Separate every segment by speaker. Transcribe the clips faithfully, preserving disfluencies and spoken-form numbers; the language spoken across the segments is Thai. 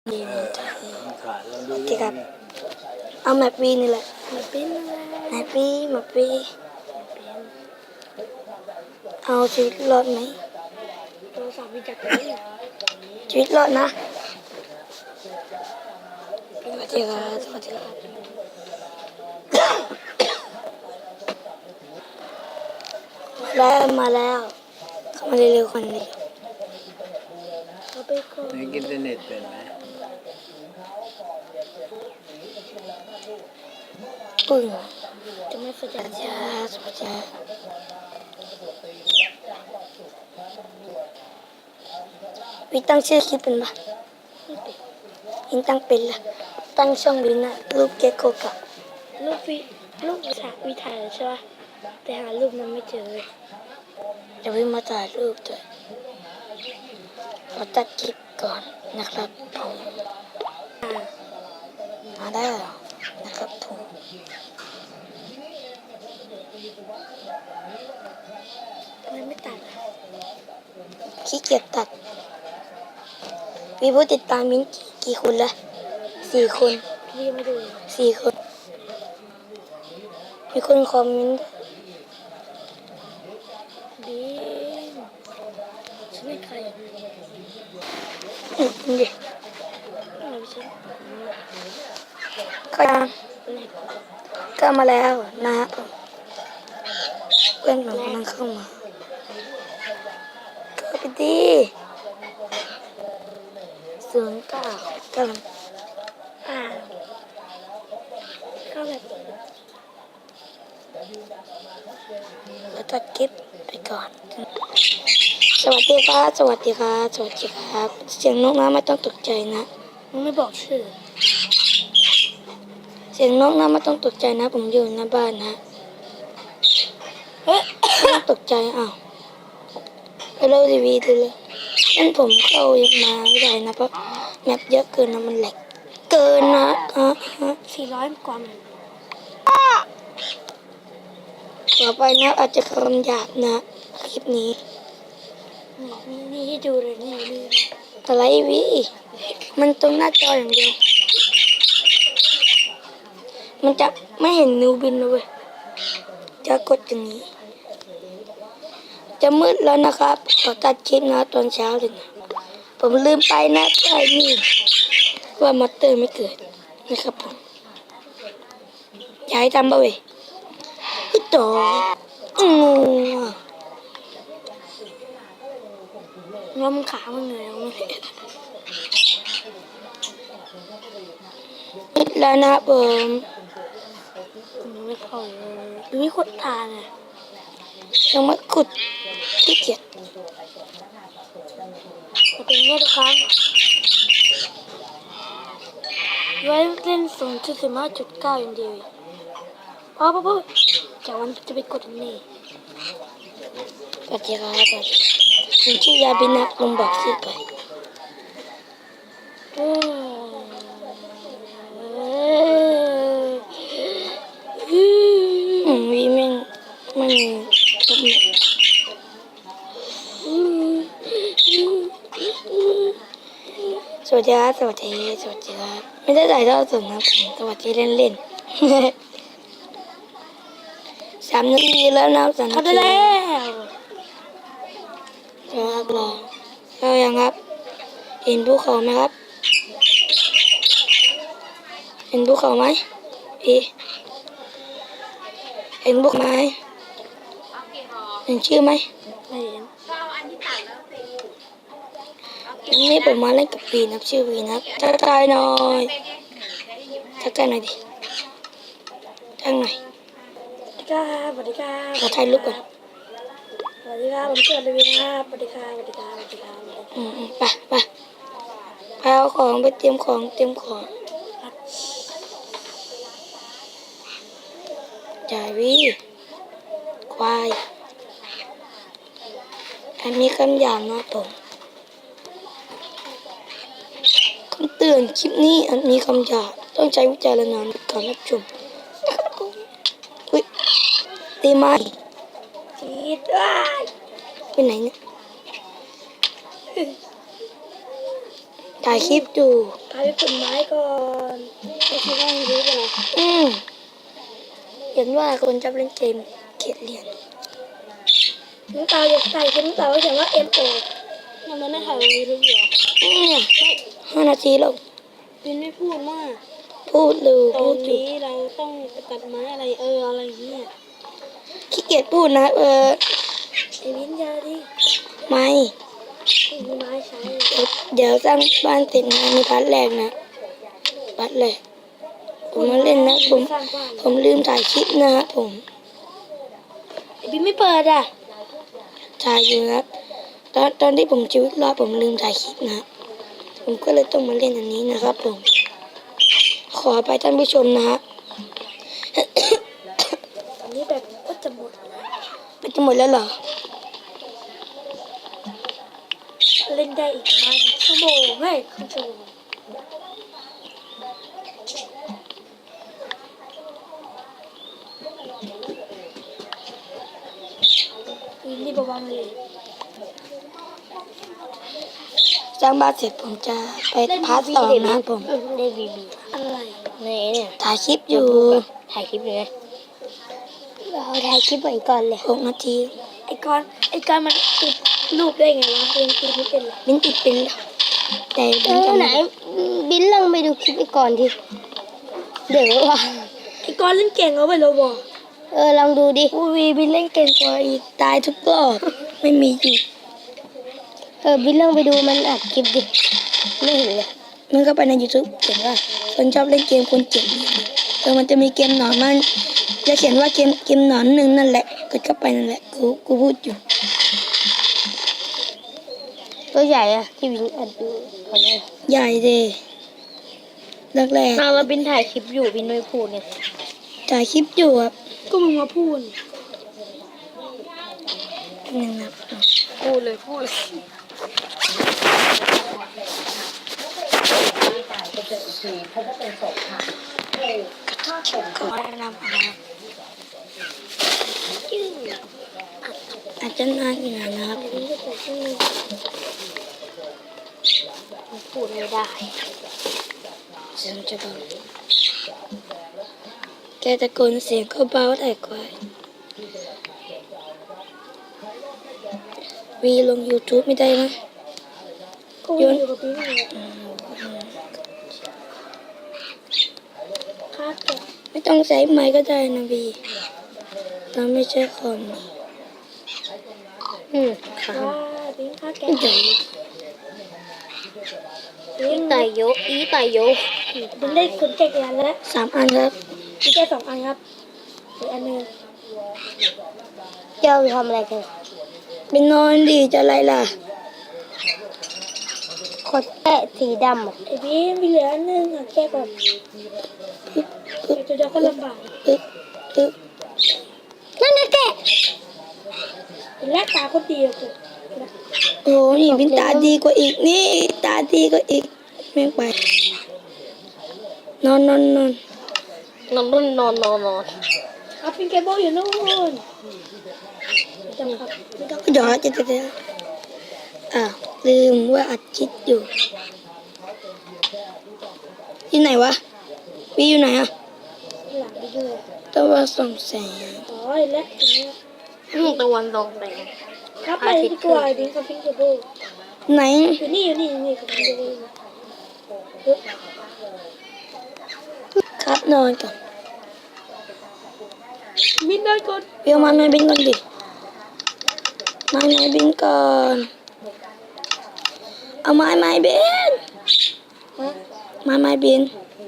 Speaker 1: ดี
Speaker 2: เออ
Speaker 1: นะจ๊ะ
Speaker 2: ขาดลองดูดิ
Speaker 1: โอเคครับเอาแมปวีนี่แหละ
Speaker 3: แมปปิ้นอะไร
Speaker 1: แมปวีแมปวีเอาชีวิตรอดไหม
Speaker 3: โทรศัพท์มีจักรยาน
Speaker 1: ชีวิตรอดนะสวัสดีครับสวัสดีครับแล้วมาแล้วเข้ามาเร็วๆคนนี้
Speaker 3: เอาไปก่อน
Speaker 2: ในอินเทอร์เน็ตเป็นไหม
Speaker 1: ปึ้ง
Speaker 3: จะไม่สะใจ
Speaker 1: สวัสดีครับสวัสดีครับวิตั้งชื่อคลิปเป็นปะ
Speaker 3: ไม่ติด
Speaker 1: วิตั้งเป็นละตั้งช่องวินะรูปเก็กโกกับ
Speaker 3: รูปวิรูปวิถ่ายวิถ่ายใช่ปะแต่หารูปมันไม่เจอเลย
Speaker 1: เดี๋ยววิมาถ่ายรูปด้วยขอตัดคลิปก่อนนะครับผม
Speaker 3: อ่า
Speaker 1: มาได้แล้วนะครับผม
Speaker 3: ทำไมไม่ตัดอ่ะ
Speaker 1: ขี้เกียจตัดมีผู้ติดตามมิ้นกี่กี่คนละสี่คน
Speaker 3: พี่ยังไม่ดูเลย
Speaker 1: สี่คนมีคนคอมเมนต์
Speaker 3: ดีฉันไม่ใครอ่ะ
Speaker 1: อืมดิ
Speaker 3: อะไรฉัน
Speaker 1: ก็ยัง
Speaker 3: เน็ต
Speaker 1: ก็มาแล้วนะครับผมเพื่อนผมกำลังเข้ามาก็ไปดีศูนย์เก้ากำลัง
Speaker 3: อ่าเข้าแบบ
Speaker 1: แล้วตัดคลิปไปก่อน สวัสดีครับสวัสดีครับสวัสดีครับเสียงนกนะไม่ต้องตกใจนะ
Speaker 3: มึงไม่บอกชื่อ
Speaker 1: เสียงนกนะไม่ต้องตกใจนะผมอยู่หน้าบ้านนะเอ๊ะไม่ต้องตกใจอ้าวไปเล่าทีวีดูเลยงั้นผมเข้ายังมาไม่ได้นะเพราะแมปเยอะเกินนะมันแหลกเกินนะอ่ะฮะ
Speaker 3: สี่ร้อยกว่ามัน
Speaker 1: ต่อไปนะอาจจะคำหยาบนะคลิปนี้
Speaker 3: นี่นี่นี่ให้ดูเลยนี่นี่
Speaker 1: อะไรวีมันตรงหน้าจออย่างเดียวมันจะไม่เห็นนิวบินเลยจะกดอย่างนี้ จะมืดแล้วนะครับขอตัดคลิปนะตอนเช้าเลยนะผมลืมไปนะไอ้นี่ว่ามอเตอร์ไม่เกิดนะครับผมอยากให้ทำบ่เว้ยฮึดต่ออืม
Speaker 3: งอมขามันเหนื่อยแล้วไม่ได้
Speaker 1: มืดแล้วนะผม
Speaker 3: มันไม่เข้าเลยหรือมีคนทานอ่ะ
Speaker 1: ยังไม่ขุดที่เกียจ
Speaker 3: จะเป็นไงทุกครั้งไว้เล่นศูนย์จุดสิบห้าจุดเก้าอย่างเดียวพอพอพอจากวันจะไปกดอันนี่
Speaker 1: สวัสดีครับผมชื่อยาบินักลงบอกชื่อไป
Speaker 3: เออเออ
Speaker 1: อืมวีแม่งไม่มีทุกเม็ดสวัสดีครับสวัสดีสวัสดีครับไม่ได้ถ่ายทอดสดนะผมสวัสดีเล่นเล่น สามนาทีแล้วนะสามนา
Speaker 3: ทำได้
Speaker 1: ที
Speaker 3: แล้ว
Speaker 1: ครับรอเรายังครับ เห็นภูเขาไหมครับ เห็นภูเขาไหมพี่เห็นภูเขาไหมเห็นชื่อไหม
Speaker 3: ไม่เห็น
Speaker 1: วันนี้ผมมาเล่นกับปีนับชื่อปีนับทักทายหน่อยทักทายหน่อยดิทักหน่อย
Speaker 3: สวัสดีครับสวัสดีครับ
Speaker 1: ขอถ่ายรูปก่อน
Speaker 3: สวัสดีครับผมเชื่อเลยนะครับสวัสดีครับสวัสดีครับสวัสดีครับสวัสดีครับ
Speaker 1: อืมอืมไปไปไปเอาของไปเตรียมของเตรียมของจ่ายวีควายอันนี้คำหยาบนะผมคำเตือนคลิปนี้อันมีคำหยาบต้องใช้วิจารณญาณในการรับชมอุ้ยตีไม้
Speaker 3: ชีดว้าย
Speaker 1: ไปไหนเนี่ยถ่ายถ่ายคลิปอยู่
Speaker 3: พาไปกดไม้ก่อนไม่คิดว่ามันรู้ไปหรอ
Speaker 1: อืมเห็นว่าคนชอบเล่นเกมเขียนเรียน
Speaker 3: น้องเตาอยากถ่ายคลิปน้องเตาเขียนว่า เอ็ม โอ ยังไม่ได้ถ่ายวีดีโออยู่เหรอ
Speaker 1: อืมห้านาทีแล้ว
Speaker 3: บินไม่พูดมาก
Speaker 1: พูดเลย
Speaker 3: ตอ
Speaker 1: พู
Speaker 3: น
Speaker 1: ดอยู่
Speaker 3: นี้เราต้องไปตัดไม้อะไรเอออะไรอย่างเงี้ย
Speaker 1: ขี้เกียจพูดนะเออ
Speaker 3: ไอ้วินยาดิ
Speaker 1: ไม่
Speaker 3: ไม่มีไม้ใช้
Speaker 1: เดี๋ยวสร้างบ้านเสร็จนะมีพาร์ทแรกนะพาร์ทแรกผมมาเล่นนะผม
Speaker 3: สร้างบ้าน
Speaker 1: ผมลืมถ่ายคลิปนะครับผม
Speaker 3: ไอ้บินไม่เปิดอ่ะ
Speaker 1: ถ่ายอยู่นะครับตอนตอนที่ผมชีวิตรอดผมลืมถ่ายคลิปนะผมก็เลยต้องมาเล่นอันนี้นะครับผม ขอไปท่านผู้ชมนะฮะ
Speaker 3: อันนี้แบบก็จะหมด
Speaker 1: ไปจะหมดแล้วเหรอ
Speaker 3: เล่นได้อีกประมาณชั่วโมงเฮ้ยครึ่งชั่วโมงวินนี่เบาๆเลย
Speaker 1: สร้างบ้านเสร็จผมจะไปพาร์ทสองนะครับผม
Speaker 3: ได้บีบีอะไรในเนี่ย
Speaker 1: ถ่ายคลิปอยู่
Speaker 3: ถ่ายคลิปเลยเราถ่ายคลิปไว้ก่อนเลย
Speaker 1: หกนาที
Speaker 3: ไอ้ก้อนไอ้ก้อนมันติดรูปได้ไงวะเรียนติดไม่เป็นเลย
Speaker 1: บินติดเป็นแล้วแต่
Speaker 3: เอ
Speaker 1: บิน
Speaker 3: อ
Speaker 1: จะ
Speaker 3: ไหน
Speaker 1: ไม่
Speaker 3: บินลองไปดูคลิปไอ้ก่อนทีเดี๋ยวว่าไอ้ก้อนเล่นเก่งเอาไปเลยบอกเออลองดูดิ
Speaker 1: อูวีบินเล่นเก่งกว่าอีกตายทุกรอบไม่มีหยุด
Speaker 3: เออบินลองไปดูมันอัดคลิปดิไม่เห็นเลย
Speaker 1: มันก็ไปใน YouTube เขียนว่าคนชอบเล่นเกมคนเก่งเออมันจะมีเกมหนอนมันจะเขียนว่าเกมเกมหนอนหนึ่งนั่นแหละกดเข้าไปนั่นแหละกูกูพูดอยู่
Speaker 3: ตัวใหญ่อะที่บินอัดดูเขาเลย
Speaker 1: ใหญ่เลยแรกแรก
Speaker 3: อ้าวแล้วบินถ่ายคลิปอยู่บินไม่พูดเนี่ย
Speaker 1: ถ่ายคลิปอยู่ครับ
Speaker 3: ก็มึงมาพูด
Speaker 1: หนึ่งนะ
Speaker 3: พูดเลยพูดเลย
Speaker 1: ขอแนะนำนะครับอาจจะนานอยู่นะครับ
Speaker 3: พูดไม่ได้
Speaker 1: เสียงจะเบาแกตะโกนเสียงก็เบาแต่ควายวีลง YouTube ไม่ได้นะ
Speaker 3: ก็อยู่กับบินเลยค่าแกะ
Speaker 1: ไม่ต้องใช้ไม้ก็ได้นะวีเราไม่ใช่คอม
Speaker 3: อืมค่ะบินค่าแกะ
Speaker 1: เดี๋ยว
Speaker 3: บินไต่โยอีไต่โยบินได้ขนแกะกี่อันแล้ว
Speaker 1: สามอันครับ
Speaker 3: มีแค่สองอันครับอีกอันหนึงเจ้าทำอะไรกัน
Speaker 1: ไปนอนดีจะอะไรล่ะ
Speaker 3: ขนแกะสีดำอ่ะไอ้บินมีเหลืออันหนึงอ่ะแกะก่อน
Speaker 1: ปึ๊บปึ๊บ
Speaker 3: เดี๋ยวจะก็ลำบาก
Speaker 1: ปึ๊บปึ๊บ
Speaker 3: นั่นไงแกะเป็นแรกตาคนดีอะกู
Speaker 1: โอ้นี่บินตาดีกว่าอีกนี่ตาดีกว่าอีกแม่งไปนอนนอนนอน
Speaker 3: นอนนอนนอนนอนนอนครับเป็นเคเบิลอยู่นู่นจำครับไม่ต้อง
Speaker 1: เดี๋ยวจะจะจะอ่าวลืมว่าอัดคลิปอยู่ที่ไหนวะวีอยู่ไหนอ่ะ
Speaker 3: หลังไปด้วย
Speaker 1: ต้องว่าส่องแสง
Speaker 3: อ๋อเห็นแล้วเห็นแล้ว
Speaker 4: อืมตะวันตกแสง
Speaker 3: ครับไปดีกว่าบินกับพิงเคเบิล
Speaker 1: ไหน
Speaker 3: อยู่นี่อยู่นี่อยู่นี่กับพิงเคเบิลปึ๊บ
Speaker 1: ครับนอนก่อน
Speaker 3: บินได้ก่อน
Speaker 1: เบียวมาแม่บินก่อนดิมาแม่บินก่อนเอาไม้ไม้บิน
Speaker 3: ฮะ
Speaker 1: ไม้ไม้บิน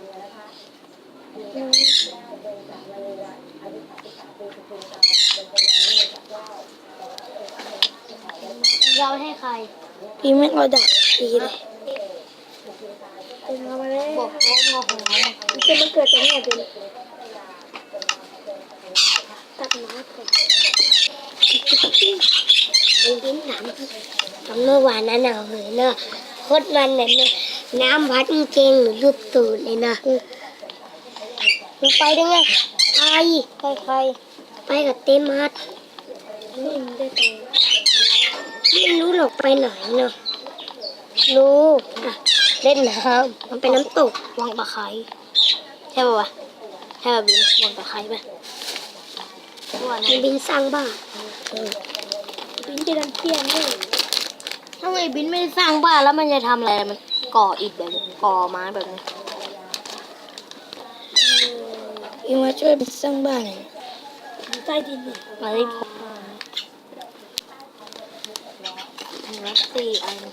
Speaker 3: เราให้ใคร
Speaker 1: พี่ไม่เอาดักดีเลย
Speaker 3: เป็นมามาแล้ว
Speaker 4: บอกเขางอของเรา
Speaker 3: มันจะมาเกิดตรงไหนเป็นตัดไม้ก่อนบินบินน้ำ
Speaker 4: ทำเมื่อวานนั้นเอาเหยเนอะโคตรมันเนี่ยน้ำพัดเก่งหรือรูปตูดเลยนะมึงไปได้ไงไป
Speaker 3: ใครใคร
Speaker 4: ไปกับเต้มัด
Speaker 3: นี่มันได้ไป
Speaker 4: ไม่รู้หรอกไปไหนเนาะ
Speaker 3: รู้
Speaker 4: อ่ะเล่นน้ำมันเป็นน้ำตกวังตะไคร้ใช่ป่าวะใช่ป่ะบินวังตะไคร้ป่ะมันบินสร้างบ้านเออ
Speaker 3: บินจะทำเพี้ยนด้วย
Speaker 4: ถ้าไอ้บินไม่ได้สร้างบ้านแล้วมันจะทำอะไรมันก่ออิฐแบบนี้ก่อไม้แบบนี้
Speaker 1: พี่มาช่วยสร้างบ้านหน่อย
Speaker 3: อยู่ใต้ดินเนี่ย
Speaker 4: มาได้พบรักสี่อัน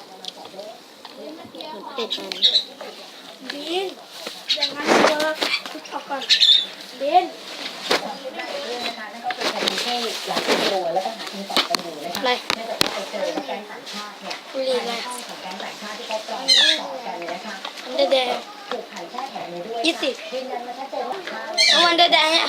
Speaker 4: เจ็ดอัน
Speaker 3: บินอย่างนั้นเจอทุกออกก่อนบิน
Speaker 4: อะไรบุหรี่อะไรมันแดงยี่สิบเอามันแดงอ่ะ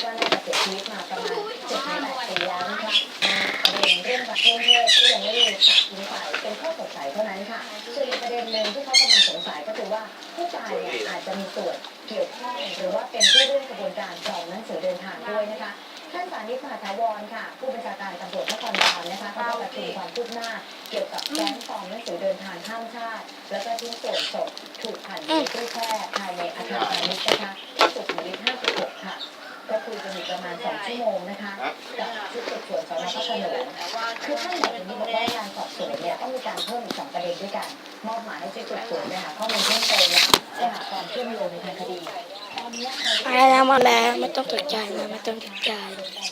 Speaker 5: เรื่องประเทศที่ยังไม่ได้ตัดสินใจเป็นข้อสงสัยเท่านั้นค่ะส่วนอีกประเด็นหนึ่งที่เขากำลังสงสัยก็คือว่าผู้ตายเนี่ยอาจจะมีส่วนเกี่ยวข้องหรือว่าเป็นผู้ร่วมกระบวนการปลอมหนังสือเดินทางด้วยนะคะท่านสานิตมหาถาวรค่ะผู้บัญชาการตำรวจนครบาลนะคะเขาได้ประชุมความคืบหน้าเกี่ยวกับแก๊งปลอมหนังสือเดินทางข้ามชาติแล้วก็ชิ้นส่วนศพถูกหั่นในตู้แช่ภายในอาคารพาณิชย์นะคะที่สุขุมวิทห้าสิบหกค่ะก็คุยกันอยู่ประมาณสองชั่วโมงนะคะกับชุดสืบสวนสน.พระโขนงคือท่านบอกอย่างนี้บอกว่าการสอบสวนเนี่ยต้องมีการเพิ่มอีกสองประเด็นด้วยกันมอบหมายให้ชุดสืบสวนเนี่ยหาข้อมูลเพิ่มเติมและหาความเชื่อมโยงในทางคดีตอนนี้
Speaker 1: มาแล้วมาแล้วไม่ต้องตกใจนะไม่ต้องตกใจ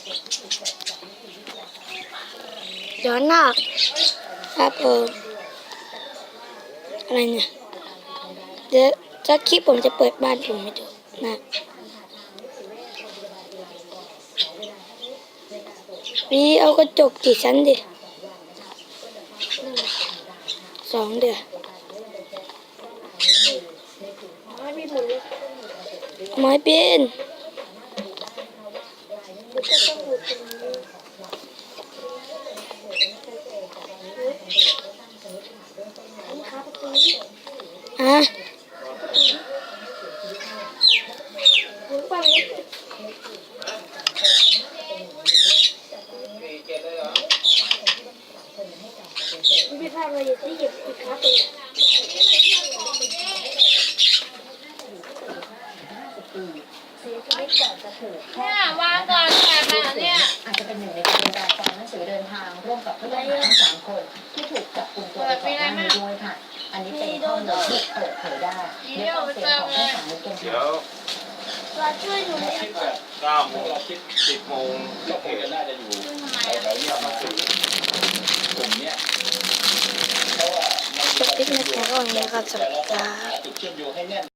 Speaker 1: ย้อนหน้าครับเอออะไรเนี่ยเดี๋ยวสักคลิปผมจะเปิดบ้านผมให้ดูนะวีเอากระจกกี่ชั้นดิสองเดี๋ยว
Speaker 3: ไม่มีหมุนเลย
Speaker 1: ไม้เป็น
Speaker 3: มันก็ต้องหมุนตรงนี้อันนี้ครับประตูนี้
Speaker 1: อ่ะ
Speaker 3: หมุนไปเลยไม่พลาดเลยที่เหยียบอีกครับเลย
Speaker 5: เนี่ยวางก่อนแบบนั้นเนี่ยอาจจะเป็นหนึ่งในกระบวนการปลอมหนังสือเดินทางร่วมกับผู้ต้องหาทั้งสามคนที่ถูกจับกุมตัวไปก่อนหน้านี้ด้วยค่ะ อันนี้เป็นข้อมูลที่เปิดเผยได้ในข้อเสียงของท่านสานิตเป็น
Speaker 6: เดี๋ยว
Speaker 3: เราช่วยหนูเนี่ย
Speaker 6: คิดแบบเก้าโมงคิดสิบโมงก็คงจะน่าจะอยู่แถวๆนี้มาถึงกลุ่มเนี้ยเพราะว่ามัน
Speaker 1: จบคลิปในแค่ก่อนนี้ครับสวัสดีครับ
Speaker 6: จุดเชื่อมโยงให้แน่น